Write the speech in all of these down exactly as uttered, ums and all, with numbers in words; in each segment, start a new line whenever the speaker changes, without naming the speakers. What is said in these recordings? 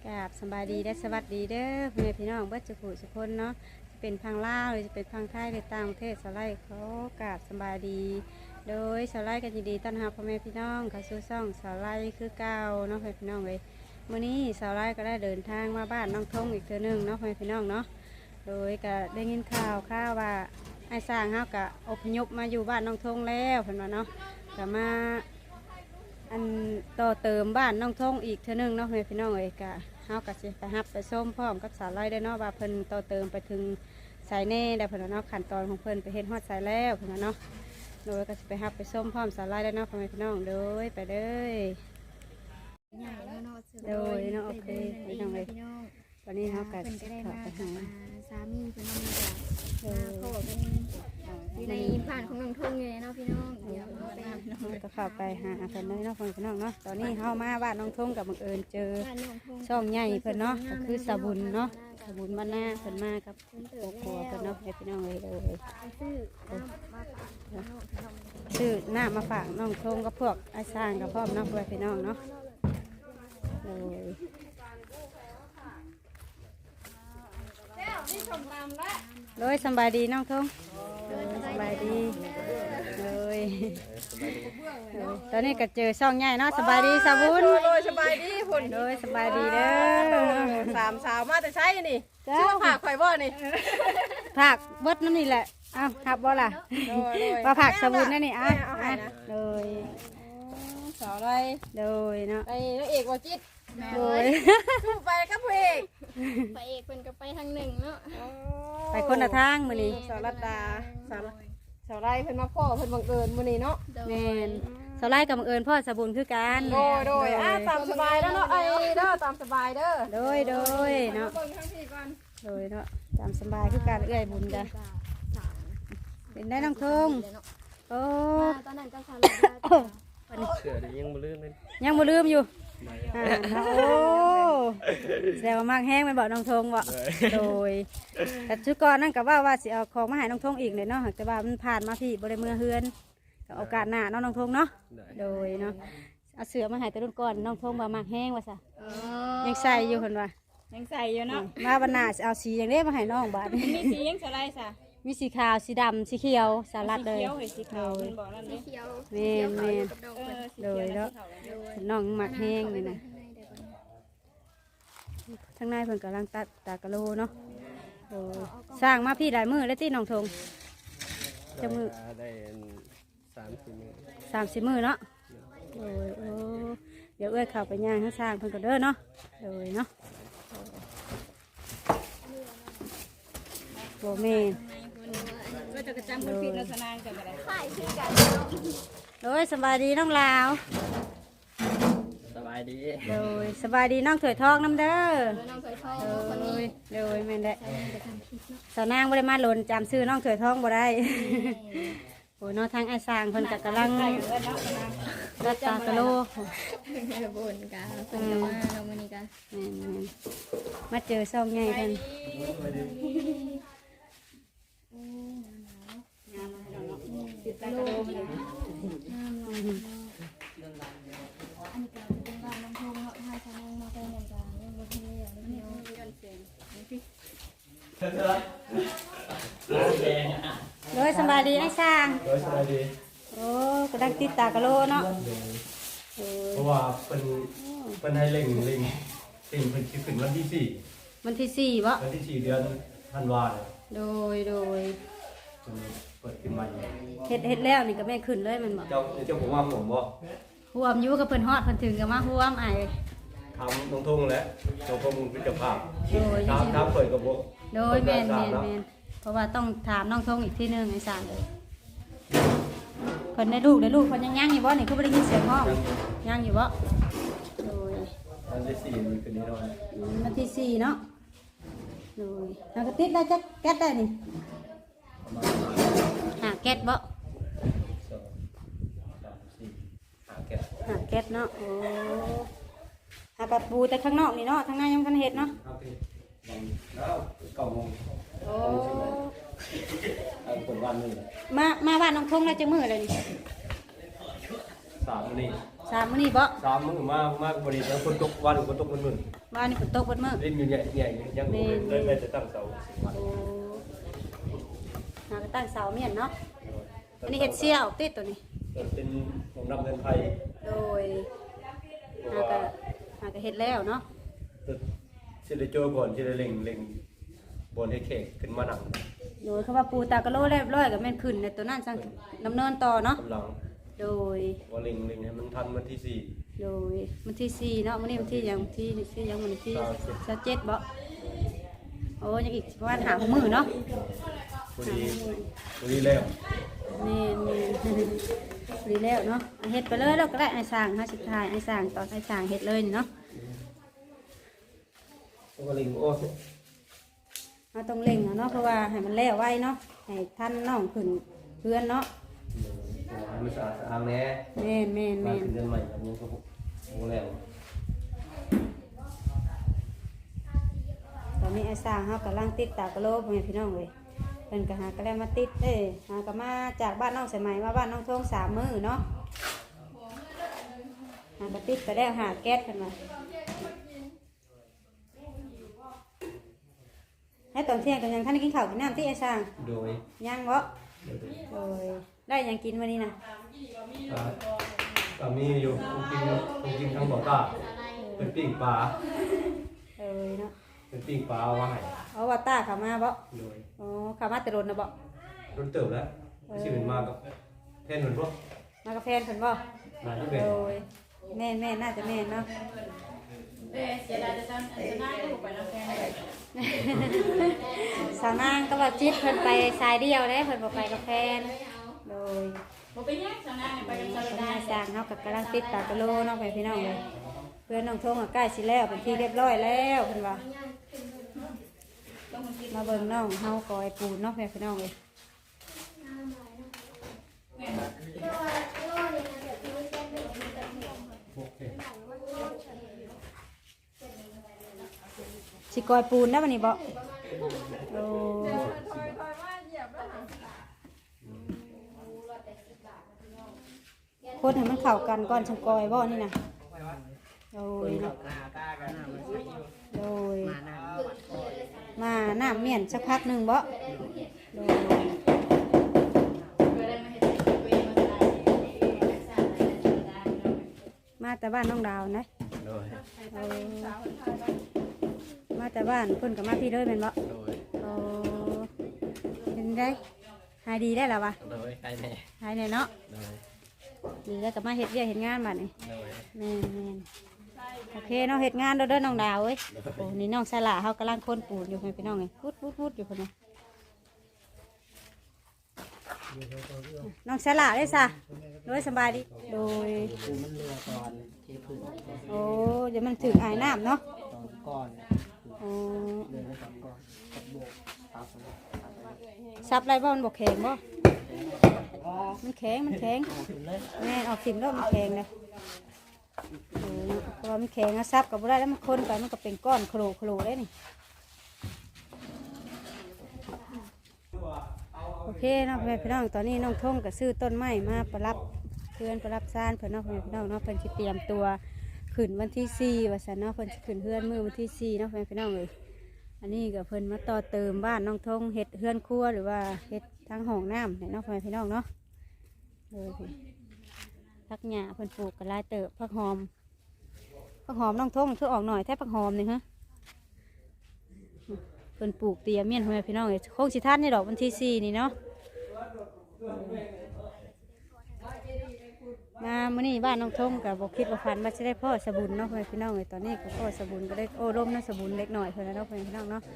กราบสบายดีและสวัสดีเด้อพ่อแม่พี่น้องเบิดจุกุสุคนเนาะจะเป็นพังลาวหรือจะเป็นพังไทยหรือต่างประเทศสไลด์เขากราบสบายดีโดยสไลด์กันยินดีต้อนรับพ่อแม่พี่น้องเข้าสู่ช่องสไลด์คือเก่าเนาะพ่อแม่พี่น้องเลยวันนี้สไลด์ก็ได้เดินทางมาบ้านน้องทงอีกเทื่อนึงเนาะพ่อแม่พี่น้องเนาะโดยก็ได้ยินข่าวข่าวว่าไอ้สร้างเขาก็อพยพมาอยู่บ้านน้องทงแล้วเพิ่นว่าเนาะก็มาอันต่อเติมบ้านน้องทงอีกเทื่อนึงเนาะพ่อแม่พี่น้องเลยก็เฮาก็สิไปฮับไปส้มพร้อมกับสาวไร่ได้เนาะว่าเพิ่นต่อเติมไปถึงสายแน่ได้เพิ่นเนาะขั้นตอนของเพิ่นไปเฮ็ดฮอดสายแล้วเพิ่นเนาะโดยก็สิไปฮับไปส้มพร้อมสาวไร่ได้เนาะพ่อแม่พี่น้องโดยไปเลยโดยเนาะโอเคพี่น้องเลยวันนี้เฮาก็สิเข้าไปหา
สามีเพิ่นมีแต่พ่อเป็นอยู่ในผ่านของน้องทุ่งเลยเนาะพี่น้องเดี๋ยวเราไป
ก็เข้าไปหาเพิ่นเลยเนาะพ่อแม่พี่น้องเนาะตอนนี้เฮามาบ้านน้องทงกับบังเอิญเจอช่องใหญ่เพิ่นเนาะก็คือสาบุญเนาะสาบุญบ้านหน้าเพิ่นมากับครอบครัวเพิ่นเนาะให้พี่น้องเลยเลยชื่อหน้ามาฝากน้องทงกับพวกอาสร้างกับพ่อน้องเพื่อนพี่น้องเนาะเลยเลยสบายดีน้องทงสบายดีเลยตอนนี้ก็เจอช่องใหญ่เนาะสบายดีสาบุญ
โดยสบายดีพุ่น
โดยสบายดีเด้อ
สามสาวมาแต่ใช้นี่ชื่อผักข่อยบ่นี่
ผักเบิดนั่นนี่แหละอ้าวผักบ่ล่ะว่าผักสาบุญนั่นนี่อ่ะโดย
สาวอะไร
โดยเนาะ
ไอ้นางเอกว่าจิต
โดย
สู้ไปกับเพลง
ไปเอกเพิ่นก็ไปทางหนึ่งเนาะ
ไปคนละทางมื้อนี้
สาวรัตดาสาวสาวไรเพิ่นมาพ่อเพิ่นบังเอิญมื้อนี้เนาะ
แม่นสาวไร่กับบังเอิญพ่อสาบุญคือกัน
โดยโดยอ่ะตามสบายแล้วเนาะไอ้เด้อตามสบายเด้อ
โดยโดยเนาะโดยเนาะตามสบายคือการเอื้อยบุญจ้ะเป็นได้น้องทงโอ้
ตอนนั้นก็สาร
เสือยังบ่ลืมเลย
ยังบ่ลืมอยู่อ่าโอ้แซวมากแห้งไปบอกน้องทงบ่โดยแต่ชุดก่อนนั่นก็ว่าว่าสิเอาของมาให้น้องทงอีกเลยเนาะแต่ว่ามันผ่านมาพี่บ่ได้เมื่อเฮือนก็โอกาสหน้าน้องน้องทงเนาะโดยเนาะเอาเสือมาให้แต่รุ่นก่อนน้องทงบ่มากแห้งว่าซะยังใส่อยู่เพิ่นว่า
ยังใส่อยู่เนาะ
มาบรรณาเอาสีอย่างนี้มาให้น้องบาด
มีสียังอะไรซะ
มีสีขาวสีดำสีเขียวสลัดเลย
สีขาวมันบอกนั่นนี่
เขียว
เมนเมนเลยแล้วน้องหมักแห้งเลยนะทั้งในเพิ่นกำลังตัดตากะโลเนาะสร้างมาพี่หลายมือแล้วที่น้องทงจะมือ
ได้สามสี่มือ
สามสี่มือเนาะโอ้ยโอ้เดี๋ยวเอ้ยเข้าไปย่างให้สร้างเพิ่นก็เด้อเนาะเลยเนาะโบเมน
ก็จะกระจำคนผิดลักษณะกันอะไร
ขายชื่อกัน
โดยสบายดีน้องลาว
สบายดี
โดยสบายดีน้องถวยทองน้ำเด้อ
น้องเคยชอบ
โด
คนนี้
ยโดยแม่นได้สาวนางบ่ได้มาหล่นจำซื้อน้องถวยทองบ่ได้โอ้ยน้องทางไอ้สร้างเพิ่นก็กำลังรัดตากะโล
บนกันเป็นยังไงเราวันนี้กัน
แม่นมาเจอซ่องใหญ่กัน
ติดตาโลมาเลยอันนี้ก็เป็นบ้านน้องทงเนาะถ้าชาวนามาเป็นอย่างกันเรื่องรถเมล์อย่างนี้ย้อนเสียง
โดยสบายดีไอ้สร้าง
โดยสบายดี
โอ้กำลังติดตากะโลเนาะ
เพราะว่าเป็นเป็นให้เล่งเล่งเล่งเป็นคิดถึงวันที่สี่
วันที่สี่วะ
วันที่สี่เดือนธันวาคม
โดยโดย
เปิดขึ้นมา
เฮ็ดเฮ็ดแล้วนี่ก็แม่ขึ้นเลยมันบอก
เจ้าเจ้าผมว่าผมบ่
ห่วมอยู่กับเพิ่นฮอดเพิ่นถึงกับมาห่วมไอ้
ทำตรงทุ่งแล้วตรงพมุงพิจภาพทำทำเปิดกับพวก
โดยแม่นแม่นแม่นเพราะว่าต้องถามน้องทงอีกทีนึงไอ้สารเลยเพิ่นได้ลูกได้ลูกเพิ่นยังย่างอยู่บ่นี่คือบ่ได้ยินเสียงห้องย่างอยู่บ่โดย
วันที่สี่มีคืนนี้นอน
วันที่สี่เนาะโดยทางกระติดได้จักแก๊สได้นี่หาแก๊สบ่หาแก๊สเนาะโอ้หาแบบปูแต่ข้างนอกนี่เนาะทางในยังกันเห็ดเนาะ
แล้วเก้าโมง
โอ้
คนวันนึง
มามาบ้านน้องทงแล้วจะมือเลยนี่
สามนี่
สามมื้อนี้บ่
สามมื้อมามากบ่ได้แล้วฝนตกวันฝนตกมันมึน
ว่านี่ฝนตกเบิดมื้อ
เล่นอยู่ใหญ่ใหญ่ยังบ่ได้ได้จะตั้งเสา
โอ้หาก็ตั้งเสาเมียนเนาะอันนี้เฮ็ดเสี่ยวติดตัวนี้
เป็นของนำเงินไทย
โดยหาก็หาก็เฮ็ดแล้วเนาะ
สิได้โจก่อนสิได้เล็งเล็งบนให้แขกขึ้นมานั่ง
โดยคำว่าปูตากะโลเรียบร้อยก็แม่นขึ้นในตัวนั้นสั่งดำเนินต่อเนาะ
กำลัง
โดย
ว่าเล็งเล็งให้มันทันวันที่สี่
โดยวันที่สี่เนาะวันนี้วันที่หยังวันที่สี่หยังวันที่สิบเจ็ดบ่โอ้ยังอีกประมาณหาหกมื้อเนาะ
พอดีพอดีแล้ว
แม่นๆดีแล้วเนาะเฮ็ดไปเลยแล้วก็ได้ไอ้สร้างเฮาสิถ่ายไอ้สร้างตอนไอ้สร้างเฮ็ดเลยนี่เนาะ
ว่าเล็งโอ้
เราต้องเร่งเนาะเพราะว่าให้มันแล้วไว้เนาะให้ท่านน้องขึ้นเพื่อนเนาะ
มันสะอาดสะอ้างแน่
แม่นแม่น
มา
แม่น
ขึ้นเดือนใหม่ครับยังก็โอ้แล้ว
ตอนนี้ไอ้สร้างเฮากำลังติดตากระโหลกให้พี่น้องเลยเพิ่นก็หากระแลมาติดเอ้ยหากะมาจากบ้านน้องสายไหมมาบ้านน้องทงสามมื้อเนาะหากระติดไปแล้วหาแก๊สขึ้นมาให้ตอนเที่ยงกันยังท่านได้กินข้าวกินน้ำที่ไอ้สร้าง
โดย
ยังบ่โดยได้หยังกินวันนี้นะ
ก็มีอยู่ผมกินผมกินทั้งบ่อตาเป็นปิ้งปลา
เอ้ยเนาะ
เป็นปิ้งปลาเอาไว้ให้
เอาว่าตาเข้ามาบ่
โดย
อ๋อเข้ามาแต่รถนะบ่
รถเติบแล้วชื่อเป็นมากับแทนเหมือนพวก
มากาแฟนเพิ่นบ่
นายที่เป็น
โดยแม่นแม่นน่าจะแม่นเนาะ
เด้เสียดายจะซั่นจะน่าก็บ่ไปนำแฟนเลย
สาวนางก็ว่าจิตเพิ่นไปสายเดียวเด้เพิ่นบ่ไปกับแฟนโดย
บ่เป็นหยังซั่นนะไปกับ
ต
ซา
อน
ล
นี้
ดา
สร้างเฮาก็กำลังติดตากะโลเนาะไปพี่น้องเลยเพื่อนน้องทงก็ใกล้สิแล้วเป็นที่เรียบร้อยแล้วเพิ่นว่ามาเบิ่งน้องเฮาก่อยปูนเนาะพี่น้องเลยสิก่อยปูนได้บัดนี้บ่โอ้คนให้มันเข้ากันก่อนจังก่อยบ่นี่นะโดยเนาะโดยมาน้ำเมียนสักพักหนึ่งบ่โดยมาแต่บ้านน้องดาวนะ
โดย
เออมาแต่บ้านเพิ่นกับมาพี่เลยแม่นบ่
โดย
โอ้เป็นได้หายดีได้แล้ววะ
โดยใครแน่
หายแน่เนาะ
โดย
ดีแล้วก็มาเฮ็ดเวียกเฮ็ดงานบัดนี้
โดย
แม่นแม่นโอเคเนาะเฮ็ดงานเด้อเด้อน้องดาวเอ้ยโอ้นี่น้องสละเฮากำลังคนปูนอยู่ให้พี่น้องไงพุดพุดพุดอยู่คนนี้น้องสละเลยซะโดยสบายดีโดย
คือมันเรือตอนที่พึ่ง
โอ้เดี๋ยวมันถึงอายน้ำเนาะ
ตอนก้อน
โอ้
เรือตอนก้อนกับโบกตาสมุทร
ซับไรบ่มันบ่แข็งบ่มันแข็งมันแข็ง
ถึงเลย
แม่นออกสิมแล้วมันแข็งเลยโอ้เพราะว่ามันแข็งอะซับกับบ่ได้แล้วมันคนไปมันก็เป็นก้อนโครโครได้นี่โอเคเนาะพี่น้องตอนนี้น้องทงก็ซื้อต้นไม้มาประรับเพื่อนประรับซ่านเพื่อนเนาะพี่น้องเนาะเพิ่นสิเตรียมตัวขึ้นวันที่สี่ว่าซั่นเนาะเพิ่นสิขึ้นเฮือนมื้อวันที่สี่เนาะพี่น้องเอ้ยอันนี้ก็เพิ่นมาต่อเติมบ้านน้องทงเฮ็ดเฮือนครัวหรือว่าเฮ็ดทางห้องน้ำเนี่ยเนาะพี่น้องเนาะเออพักหญ้าเพิ่นปลูกก็หลายเติบผักหอมผักหอมน้องทงคือออกหน่อยแท้ผักหอมนี่ฮะเพิ่นปลูกเตรียมเมียนพี่น้องเอ้ยคงสิทันในดอกวันที่สี่นี่เนาะมามื้อนี้บ้านน้องทงกับ่คิดว่าฝันว่าจะได้พ่อสบุญเนาะพี่น้องเอ้ยตอนนี้ก็พ่อสบุญก็ได้โอ้ร่มนะสบุญเล็กหน่อยเพิ่นนะเนาะพี่น้องเนาะ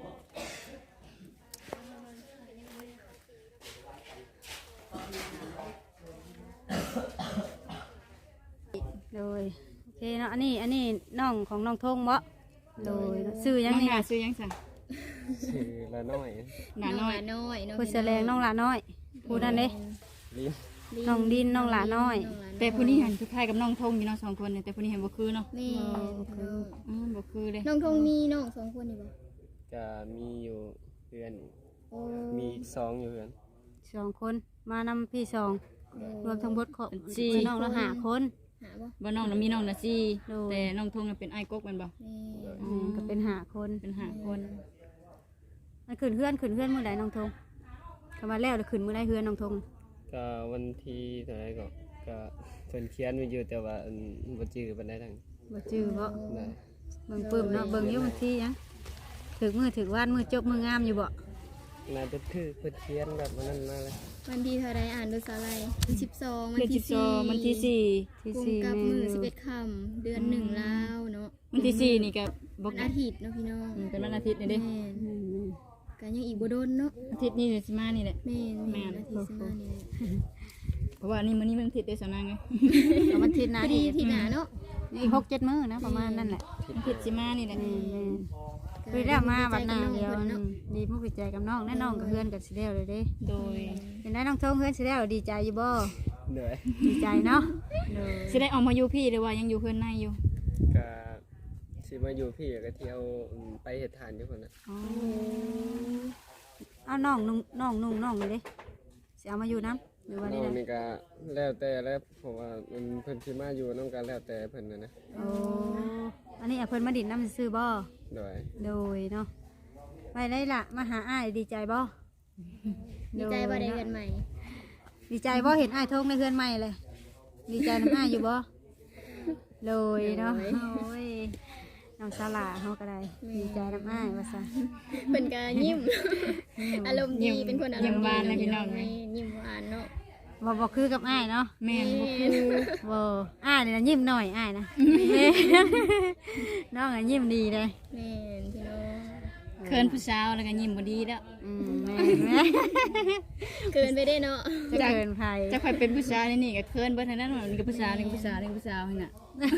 โดยโอเคเนาะอันนี้อันนี้น้องของน้องทงบ่โดยซื้อยังนี่นะ
ซื้อยังสั่ง
ชื่อละน้อย
หนาน้อยน้อยน้อง
ผู้แสดงน้องหลาน้อยผู้นั้นเด้
ลิ้น
น้องดินน้องหลาน้อย
แต่ผู้นี้หันคล้ายกับน้องทงอยู่เนาะสองคนเนี่ยแต่ผู้นี้เห็นบ่คือเนาะ
แม่
อืมบ่คือเลย
น้องทงมีน้องสองคนนี่บ่
จะมีอยู่เพื่อน
โอ้
มีอีกสองอยู่เพื่อน
สองคนมานำพี่สองรวมทั้งหมดขอบ
สี่
น้องละห้าคน
โ
หาบ่
บ่น้องน่ะมีน้องน่ะสี่
โดย
แต่น้องทงน่ะเป็นอ้ายกกแม่นบ่
แม่
อืมก็เป็นหาคน
เป็นห้าคน
มันขึ้นเฮือนขึ้นเฮือนมื้อใดน้องทงคำว่าแล้วแล้วขึ้นมื้อใดเฮือนน้องทง
ก็วันที่เท่าไหร่ก็ก็เพิ่นเขียนไว้อยู่แต่ว่าอันบ่จื้อปานใดทั้ง
บ่จื้อบ่
ได้
เบิ่งปึ้มเนาะเบิ่งอยู่บางทีหยังถึกมือถึกวานมือจบมืองามอยู่บ่
น่าจะคือเพิ่นเขียนแบบนั้นมาเลย
วันที่เท่าไรอ่านดูสาไรวันสิบสองวัน
เดือน
ที่
สิบสองวันที่สี่
ที่
กุม
สี่
กับ
แม่
มือ
อ
สิบ
ยู่
เอ็ดค่ำเดือนหนึ่งแล้วเนาะ
วันที่สี่นี่ก็บ่
วันอาทิตย์เนาะพี่น้อง
อืมเป็นวันอาทิตย์นี่เด้
แม่น
อืม
กันยังอีกบ่โดนเนาะ
อาทิตย์นี้เดี๋ยวสิมานี่แหละ
แม่น
แม่
แม่
น
นอาทิตย์สิมานี่แหละ
เพราะว่านี่มื้อนี้มันอาทิตย์เด้อสาวนางไง
ก็วันอาทิตย์ห
พ
นะ
อดีที่หนาเนาะ
อีกหกเจ็ดมื้อนะประมาณนั่นแหละ
วันอาทิตย์สิมานี่แหละ
แม่นๆคือได้มาวันหน้าเดียวอืมดีมุกดีใจกับน้องแน่น้องกับเพื่อนกับสิแล้วเลยเด้
โดย
เป็นได้น้องทงเพื่อนสิแล้วดีใจอยู่บ่
เหนื่อย
ดีใจเนาะโดย
สิได้ออกมาอยู่พี่หรือว่ายังอยู่เพื่อนในอยู่
ก็สิมาอยู่พี่ก็เที่ยวอืมไปเฮ็ดทานอยู่พุ่นน่ะ
อ๋อเอาน้องนุ่งน้องนุ่งน้องเลยเด้สิเอามาอยู่น้ำหรือว่า
น้
นี่
อง
นะ
นี่ก็แล้วแต่แล้วเพราะว่ามันเพิ่นสิมาอยู่นำกันแล้วแต่เพิ่นน่ะนะ
โอ้อันนี้เอาเพิ่นมาดินน้ำซื้อบ่
โดย
โดยเนาะไปได้ละมาหาอ้ายดีใจบ่
ดีใจบ่ได้เงินใหม่
ดีใจบ่เห็นอ้ายทงในเฮือนใหม่เลย ดีใจน้ำอ้ายอยู่บ่โดยเนาะโอ้ยน้องสลาเฮาก็ได้ดีใจน้ำอ้ายว่าซะ
เป็นก็ยิ้มอารมณ์ดีเป็นคนอารมณ์ดีแม่ยิ้มหวานเนาะ
บ่บ่คือกับอ้ายเนาะ
แม่นบ่
บ่อ้ายนี่นะยิ้มหน่อยอ้ายนะ น้องอ่ะยิ้มดีเลย
แม่นพี่น้อง
เคินผู้สาวแล้วก็ยิ้มบ่ดีแล้ว
อืมแม่แม่
เกินไปได้เนาะ
จะเกินภัย
จะค่อยเป็นผู้สาวนี่นี่ก็เคินเบิดทั้งนั้นว่ามันก็ผู้สาวนี่ก็ผู้สาวนี่ก็ผู้สาวหั่นน่ะ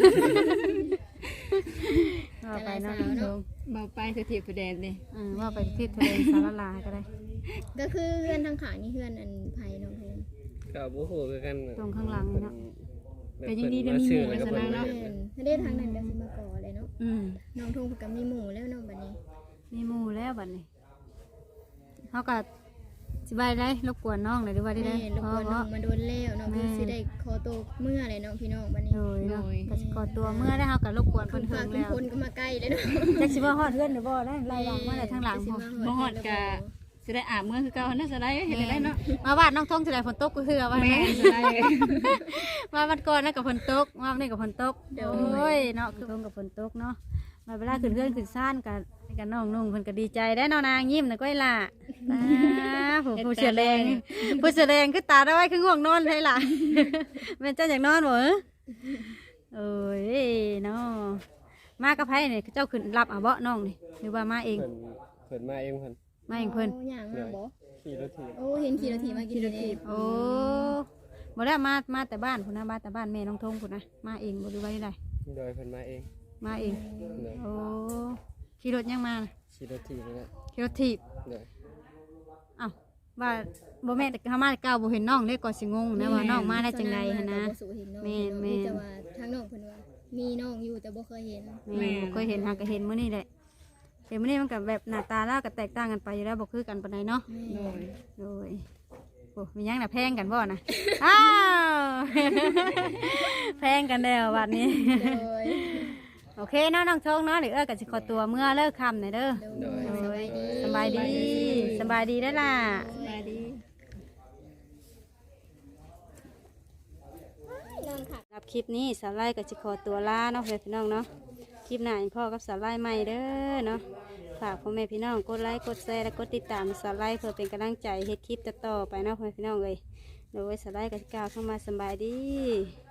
ว่าไปเนาะทง
เบาไปคือทิพย์ผู้แดนเด้
อืมว่าไปที่ทะเลสารลาก็ได้
ก็คือเพื่อนทางขางนี่เพื่อนอันไผ่น้องเพน
ก็บ่ฮู้คือกัน
ตรงข้างหลังนี่เนาะ
แต่ยังดีได้มีหมู่กันซะนะเนาะ
แม่นถ้าได้ทางนั้นก็สิมาก่อเลยเนาะ
อืม
น้องทงเพิ่นก็มีหมู่แล้วเนาะบัดนี้
มีหมู่แล้วบัดนี้เขาก็สบายได้รบกวนน้องเลยหรือว่าได้
แม่
ได้
รบกวนน้องมาโดนแล้วน้องเพิ่นสิได้ขอตัวเมื่อเลยเนาะพี่น้องบัดนี้
โดยเนาะก็สิขอตัวเมื่อได้เขาก็รบกวนเพิ่น
ฝา
เพิ่
ก
ง
ทุก
แล้ว
คนก็มาใกล้เลยเนาะ
จักสิว่าฮอดเฮือนหรือบ่ได้ไล่หลังมาได้ทางหลัง
สิ
พอ
มา
บ่ฮอดกะสิได้อาบเมื่อคือเก่าน่าจะได้เฮ็ดได้เนาะ
มาบ้านน้องทงสิได้ฝนตกก็คือว่า
แม่
แม่
นสิได้
มาวันก่อนนั่นกับฝนตกมาวันนี้กับฝนตกโอ้ยเนาะคือทงกับฝนตกเนาะมาเวลาขึ้นเฮือนขึ้นซ่านกันกันน้องนุ่งเพิ่นก็ดีใจได้เนาะนางยิ้มน่ะก้อยล่ะอ่าผู้ผู้เสือแดงผู้เสือแดงคือตาได้ไว้คือง่วงนอนเลยล่ะ แม่นเจ้าอยากนอนบ่เอ้อโอ้ยเนาะมากับไผนี่เจ้าขึ้นรับเอาเบาะน้องนี่หรือว่ามาเอง
เพิ่นเพิ่นมาเองเพิ่น
มาเองเพิ่น
โอ้ย่างมาบ่
ขี่รถถีบ
โอ้เห็นขี่รถถีบมากินเลย
โอ้บ่ได้มามาแต่บ้านพุ่นนะมาแต่บ้านแม่น้องทงพุ่นนะมาเองบ่หรือว่าได้
โดยเพิ่นมาเอง
มาเอง
โดย
โอ้ขี่รถยังมาน่ะ
ขี่รถถีบนี่แหละ
ขี่รถถีบ
โดย
อ้าวว่าบ่แม่นแต่เขามาแต่เก่าบ่เห็นน้องเลยก็สิงงนะว่าน้องมาได้จังไดหั่นนะ แม่นแม่น
แต่ว่าทางน้องเพิ่นว่ามีน้องอยู่แต่บ่เคยเห็น
แม่บ่เคยเห็นหาก็เห็นมื้อนี้แหละเห็นมื้อนี้มันก็แบบหน้าตาแล้วก็แตกต่างกันไปอยู่แล้วบ่คือกันปานใดเนาะ
โดย
โดยโอ้มีหยังน่ะแพงกันบ่น่ะ อ้าว แพงกันแล้วบัดนี้
โดย
โอเคเนาะน้องทงเนาะเดี๋ยวเอ้อก็สิขอตัวเมื่อเลิกค่ำหน่อยเด้อ
โดยสบายดี
สบายดีสบายดีได้อล่ะ
สบายดี
น้องค่ะ
รับคลิปนี้สาวไล่กับจิขอตัวลาเนาะเพื่อนพี่น้องเนาะคลิปหน้าอีกพ่อกับสาวไล่ใหม่เด้อเนาะฝากพ่อแม่พี่น้องกดไลค์กดแชร์และกดติดตามสาวไล่เพื่อเป็นกำลังใจเฮ็ดคลิปต่อๆไปเนาะเพื่อนพี่น้องเลยโดยสาวไล่กับกล่าวเข้ามาสบายดี